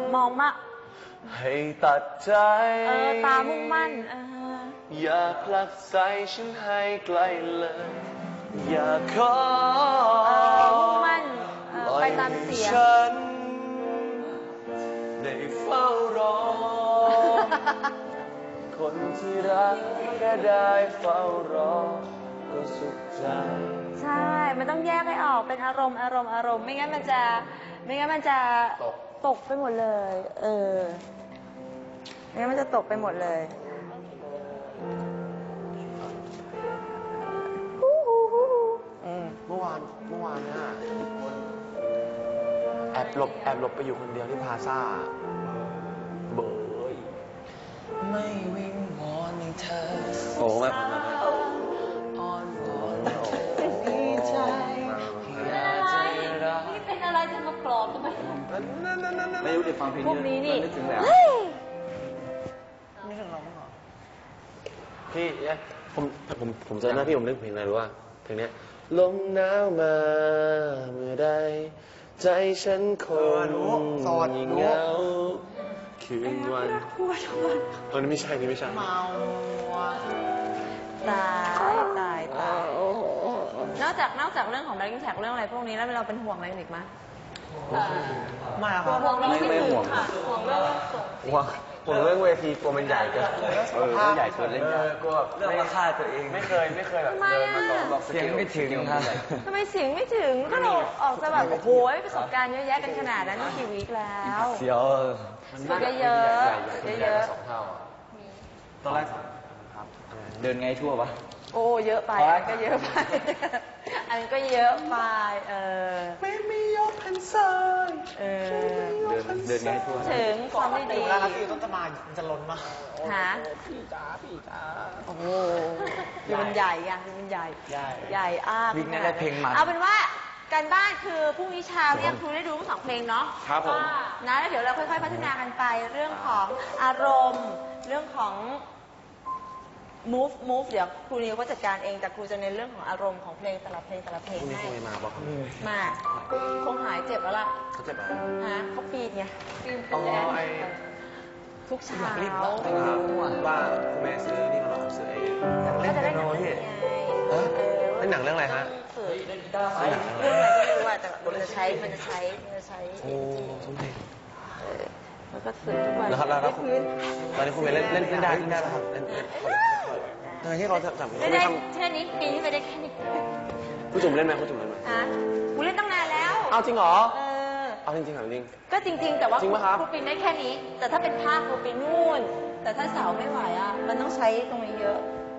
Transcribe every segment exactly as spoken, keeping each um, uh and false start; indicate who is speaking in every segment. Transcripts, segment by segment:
Speaker 1: มองมาก
Speaker 2: ให้ตัดใจ
Speaker 1: เออตามุ่งมั่นเออ
Speaker 2: อย่าผลักใส่ฉันให้ไกลเลยอย่าขอ
Speaker 1: มุ่งมั่นไปตามเสียง
Speaker 2: ฉันได้เฝ้ารอคนที่รักก็ได้เฝ้ารอก็สุขใจ
Speaker 1: ใช่มันต้องแยกให้ออกเป็นอารมณ์อารมณ์อารมณ์ไม่งั้นมันจะไม่งั้นมันจะตกตกไปหมดเลยเออไม่งั้นมันจะตกไปหมดเลย
Speaker 2: เมื่อวานเมื่อวานเนี่ยแอบหลบแอบหลบไปอยู่คนเดียวที่พาซ่าเบยไม่วิงวอนให้เธอโอ้ไม่พอนะอ่อนวอนมีใจอยากจะรัก
Speaker 1: นี่เป็นอะไรจะมาปลอบทำไม
Speaker 2: ไม่รู้จะฟังเพลงนี้
Speaker 1: พวกนี้นี่
Speaker 2: นึกถึงแล้วนึกถึงเราบ้างเหรอพี่ผมผมผมเจอหน้าพี่ผมนึกเพลงอะไรรู้ว่าเพลงนี้ลมหนาวมาเมื่อใดใจฉันคงยิ่งเหงาคืนวันเออนี่ไม่ใช่นี่ไม่ใช่เมา
Speaker 1: ตายตายตายนอกจากนอกจากเรื่องของแบงค์แท็กเรื่องอะไรพวกนี้แล้วเราเป็นห่วงอะไรอีกไหม
Speaker 2: ไม่ครับ
Speaker 1: ไม่
Speaker 2: ไม่ห่วง
Speaker 1: ห่วงเรื่องส่ง
Speaker 2: ห่วงผมเรื่องเวทีกลัวมันใหญ่เกินเออใหญ่เกินเล่นกลัวเรื่องราคาตัวเองไม่เคยไม่เคยแบบเดินมาตอนบอกเสียงไม่ถึงครับ
Speaker 1: ทำไมเสียงไม่ถึงก็เราออกจะแบบโอ้โหประสบการณ์เยอะแยะกันขนาดนั้นนี่กี่วีคแล้ว
Speaker 2: เสียว
Speaker 1: ฝึกเยอะเยอะ
Speaker 2: สองเท่าตอนแรกครับเดินไงทั่วปะ
Speaker 1: โอ้เยอะไปก็เยอะไปอันก็เยอะไปเออ
Speaker 2: ไม่ไม่ยกพันซ้าย
Speaker 1: เออ
Speaker 2: เดินเดินไงทั่ว
Speaker 1: ถึงความไม่ดี
Speaker 2: เวลาที่ต้นตะมามันจะล้นมา
Speaker 1: หา
Speaker 2: พี่จ๋าพี่จ๋า
Speaker 1: โอ้โหคือมันใหญ่ไงคือมันใหญ่ใหญ่อ้า
Speaker 2: วิ่งได้เพลงมัน
Speaker 1: เอาเป็นว่าการบ้านคือพรุ่งนี้เช้าเนี่ยครูได้ดูทั้งสองเพลงเนาะ
Speaker 2: ครับผม
Speaker 1: นะแล้วเดี๋ยวเราค่อยๆพัฒนากันไปเรื่องของอารมณ์เรื่องของmove move เดี๋ยวครูนิวก็จัดการเองแต่ครูจะเน้นเรื่องของอารมณ์ของเพลงแต่ละเพลงแต่ละเพลงให้
Speaker 2: มาบอก
Speaker 1: มาคงหายเจ็บแล้วล่ะ
Speaker 2: เขาเจ็บอะไร
Speaker 1: ฮะเขาปีนไงปีน
Speaker 2: อ๋อไอ
Speaker 1: ทุกเช้า
Speaker 2: ว่าคุณแม่ซื้อนี่มาหรอซื้อไอ้
Speaker 1: เล่นเปียโนที่
Speaker 2: เออเล่นหนังเรื่องอะไรฮะ
Speaker 1: เรื่องอะไรก็ไม่รู้ว่าแต่มันจะใช้มันจะใช้มันจะใช้
Speaker 2: โอ้สมเพช
Speaker 1: แล้วก็ฝึกทุกวัน
Speaker 2: แล้วแล้วแล้วตอนนี้คุณเล่นเล่นเล่นได้เล่นได้แล้วครับเล่นทำไมที่เราจับ
Speaker 1: เล่นได้แค่นี้ปีนี้ไปได้แค่นี้
Speaker 2: ผู้จุ่มเล่นไหมผู้จุ่มเล่นไหม
Speaker 1: ฮะกูเล่นตั้งนานแล้ว
Speaker 2: เอาจริงเหรอ
Speaker 1: เออ
Speaker 2: เอาจริงจริงเหรอจริง
Speaker 1: ก็จริงๆแต่ว่า
Speaker 2: จริงไหมครับ
Speaker 1: กูปีนได้แค่นี้แต่ถ้าเป็นภาคกูปีนนู่นแต่ถ้าเสาไม่ไหวอ่ะมันต้องใช้ตรงนี้เยอะ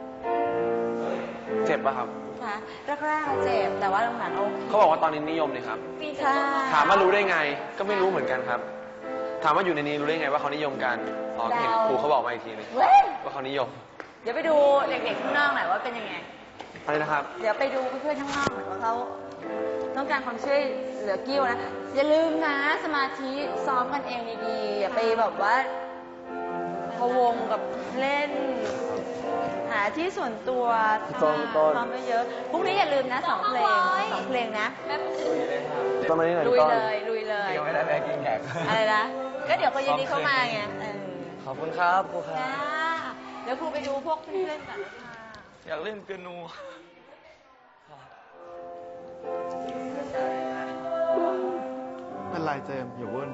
Speaker 2: เจ็บป่ะครับ
Speaker 1: คะแรกๆเจ็บแต่ว่าหลังๆโอเค
Speaker 2: เขาบอกว่าตอนนี้นิยมเลยครับถามว่ารู้ได้ไงก็ไม่รู้เหมือนกันครับถามว่าอยู่ในนี้รู้ได้ไงว่าเขานิยมกันอ๋อเห็นครูเขาบอกมาอีกทีนึงว่าเขานิยม
Speaker 1: เดี๋ยวไปดูเด็กๆข้างนอกหน่อยว่าเป็นยังไง
Speaker 2: อะไรนะครับ
Speaker 1: เดี๋ยวไปดูเพื่อนๆข้างนอกหน่อยว่าเขาต้องการความช่วยเหลือกิ้วนะอย่าลืมนะสมาธิซ้อมกันเองดีๆอย่าไปแบบว่าพะวงกับเล่นหาที่ส่วนตัวซ้อมเยอะๆพรุ่งนี้อย่าลืมนะสองเพลงสองเพลงนะ
Speaker 2: ตอนนี้
Speaker 1: ลุยเลยลุยเลย
Speaker 2: ไม่ได้ไปกินแขก
Speaker 1: อะไรนะก็เดี๋ยวเขาเย็นนี้เข้ามาไง
Speaker 2: ขอบคุณครับครูครับ
Speaker 1: เดี๋ยวครูไปดูพวกเพื่อนๆกันค่ะ
Speaker 2: อยากเล่นเปียโน
Speaker 3: เป็นไรเจมส์อย่าวุ่น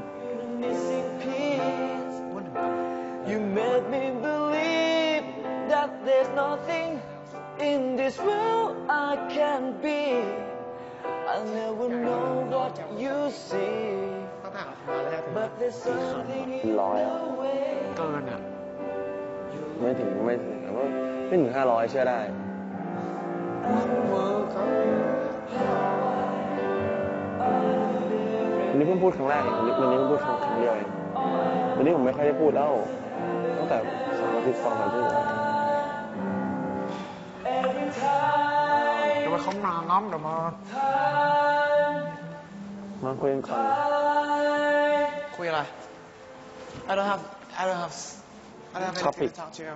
Speaker 3: วุ่นถึงกัน
Speaker 2: You made me believe that there's nothing in this world I can be I never know what you see but there's something in the way
Speaker 3: เกินอ่ะ
Speaker 2: ไม่ถึงไม่ถึงไม่ถึงห้าร้อยเชื่อได้วันนี้เพิ่งพูดครั้งแรกเองวันนี้เพิ่งพูดครั้งเดียวเองวันนี้ผมไม่ค่อยได้พูดแล้วตั้งแต่สองอาทิตย์สองอาทิตย์
Speaker 3: เดี๋ยวมาเขามาน้ำเดี๋ยวมา
Speaker 2: มาคุยกันก่อน
Speaker 3: คุยอะไร I don't have I don't have I don't have anything to talk to you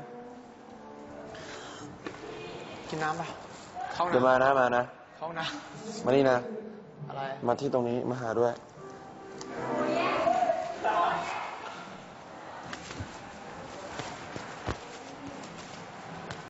Speaker 3: กินน้ำป่ะ
Speaker 2: เดี๋ยวมานะมานะ
Speaker 3: เข้านะ
Speaker 2: มานี่นะ
Speaker 3: อะไร
Speaker 2: มาที่ตรงนี้มาหาด้วย